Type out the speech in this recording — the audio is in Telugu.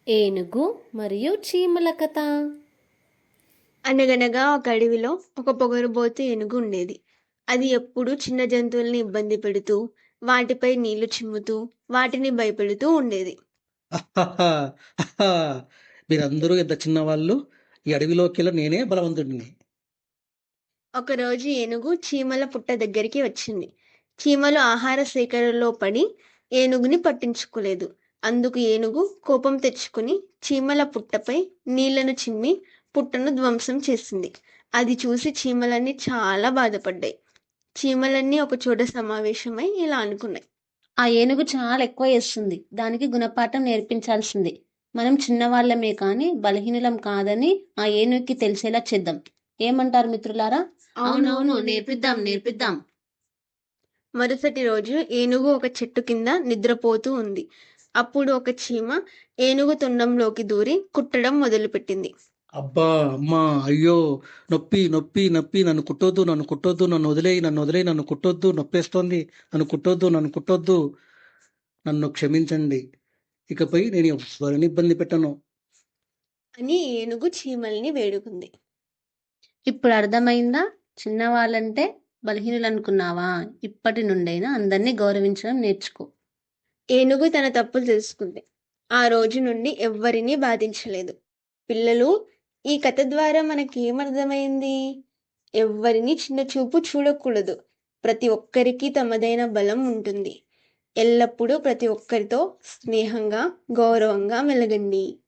ఏనుగు మరియు చీమల కథ. అనగనగా ఒక అడవిలో ఒక పొగరుబోతు ఏనుగు ఉండేది. అది ఎప్పుడూ చిన్న జంతువుల్ని ఇబ్బంది పెడుతూ, వాటిపై నీళ్లు చిమ్ముతూ, వాటిని భయపెడుతూ ఉండేది. అహహా! అహా! మీరందరూ ఇంత చిన్నవాళ్ళు. ఈ అడవిలోకెల్లా నేనే బలవంతుడిని. ఒకరోజు ఏనుగు చీమల పుట్ట దగ్గరికి వచ్చింది. చీమలు ఆహార సేకరణలో పడి ఏనుగుని పట్టించుకోలేదు. అందుకు ఏనుగు కోపం తెచ్చుకుని చీమల పుట్టపై నీళ్లను చిమ్మి పుట్టను ధ్వంసం చేసింది. అది చూసి చీమలన్నీ చాలా బాధపడ్డాయి. చీమలన్నీ ఒకచోట సమావేశమై ఇలా అనుకున్నాయి. ఆ ఏనుగు చాలా ఎక్కువ చేస్తుంది. దానికి గుణపాఠం నేర్పించాల్సింది. మనం చిన్నవాళ్ళమే కానీ బలహీనులం కాదని ఆ ఏనుగుకి తెలిసేలా చేద్దాం. ఏమంటారు మిత్రులారా? అవునవును, నేర్పిద్దాం నేర్పిద్దాం. మరుసటి రోజు ఏనుగు ఒక చెట్టు కింద నిద్రపోతూ ఉంది. అప్పుడు ఒక చీమ ఏనుగు తొండంలోకి దూరి కుట్టడం మొదలుపెట్టింది. అబ్బా! అమ్మా! అయ్యో! నొప్పి, నొప్పి, నొప్పి. నన్ను కుట్టొద్దు, నన్ను కుట్టొద్దు. నన్ను వదిలేయి, నన్ను వదిలేయి. నన్ను కుట్టొద్దు. నొప్పేస్తోంది. నన్ను కుట్టొద్దు, నన్ను కుట్టొద్దు. నన్ను క్షమించండి. ఇకపై నేను ఎవ్వరిని ఇబ్బంది పెట్టను. అని ఏనుగు చీమల్ని వేడుకుంది. ఇప్పుడు అర్థమైందా? చిన్నవాళ్ళంటే బలహీనులు అనుకున్నావా? ఇప్పటి నుండైనా అందరినీ గౌరవించడం నేర్చుకో. ఏనుగు తన తప్పులు తెలుసుకుంది. ఆ రోజు నుండి ఎవ్వరినీ బాధించలేదు. పిల్లలు, ఈ కథ ద్వారా మనకేమర్థమైంది? ఎవ్వరిని చిన్న చూపు చూడకూడదు. ప్రతి ఒక్కరికి తమదైన బలం ఉంటుంది. ఎల్లప్పుడూ ప్రతి ఒక్కరితో స్నేహంగా, గౌరవంగా మెలగండి.